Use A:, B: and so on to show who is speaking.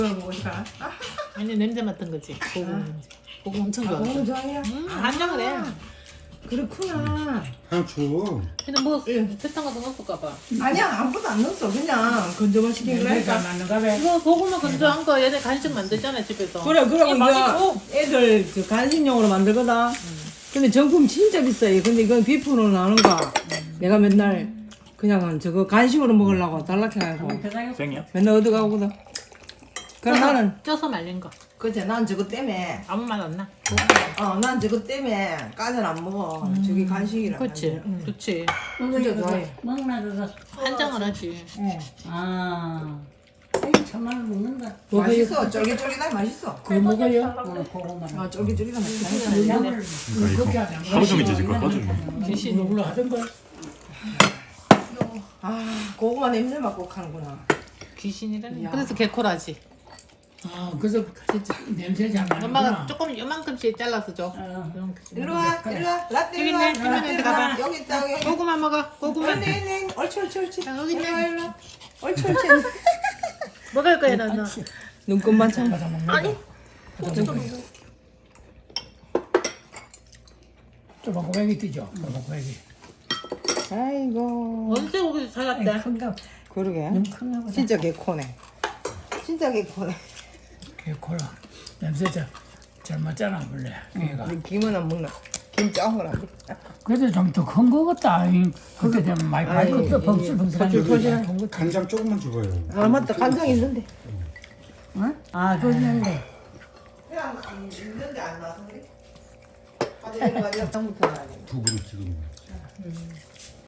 A: 보고 싶어.
B: 아니 냄새 맡은 거지. 고구 냄새. 고구 엄청 좋아.
A: 너무 좋아해요?
B: 간장을 해.
A: 그렇구나.
C: 상추.
B: 근데 뭐 설탕 같은 거 넣을까 봐.
A: 아니야, 아무것도 안 넣었어. 그냥 건조만 시킨 거니까.
D: 맞는가 봐.
B: 이거 고구마 건조한 거 얘네 간식 만들잖아 집에서.
A: 그래, 그러고
B: 이게
A: 이거
B: 맛있고.
A: 애들 그 간식용으로 만들거든. 근데 정품 진짜 비싸요. 근데 이건 비프로 나오는 거. 내가 맨날 그냥 저거 간식으로 먹으려고 달락해가지고
D: 생이야?
A: 맨날 얻어가거든. 그럼 나는,
B: 쪄서 말린 거.
A: 그치, 난 저거 때문에,
B: 아무 맛 안 나.
A: 난 저거 때문에 까진 안 먹어. 저게 간식이라.
B: 그렇지. 좋지.
A: 진짜 좋아해.
E: 먹나 그거.
B: 한장을 하지.
E: 아. 이거 정말 먹는다.
A: 맛있어. 쫄깃쫄깃하게 맛있어.
D: 그거 먹어요?
E: 어, 고구마를.
A: 쫄깃쫄깃하게 맛있어.
E: 양을
D: 그렇게 하자.
C: 하루 종일 지질 거야, 하루 종일.
B: 귀신.
D: 울러 하던 걸.
A: 고구마 냄새 맡고 가는구나.
B: 귀신이라니. 그래서 개코라지.
D: 아, 그래서 진짜 냄새 잘
B: 엄마가
D: 나는구나.
B: 조금 요만큼씩 잘라서 줘. 요만큼씩.
A: 일로 와, 일로 와. 라떼
B: 여기
A: 일로 와.
B: 있네.
A: 라떼
B: 가봐.
A: 여기 있다, 여기.
B: 고구마 먹어. 고구마.
A: 네. 옳지, 옳지, 옳지.
B: 자, 여기 있네.
A: 일로 와, 일로 와. 옳지, 옳지.
B: 먹을 거야 너.
A: 눈곱만 참.
D: 받아 먹는 거.
B: 아니.
D: 또박고기 뛰죠. 또박고기.
A: 아이고.
B: 언제 거기서 살았대?
E: 큰가
A: 그러게.
E: 너무 큰가 보다.
A: 진짜 개코네. 진짜 개코네.
D: 개코라. 냄새 잘 맞잖아, 원래. 걔가.
A: 김은 안 먹나? 김 짱을 안 먹나?
D: 그래도 좀 더 큰 거 같다. 그때 되면 많이
A: 아이,
D: 밝겠어.
A: 예,
D: 벙슬벙슬한
C: 간장 조금만 줘봐요.
A: 아, 맞다. 간장 있는데.
E: 응? 아, 그랬는데.
A: 그냥 있는데 안 나서 그래? 가져가지고 간장부터 놔야 돼.
C: 두 그릇 지금.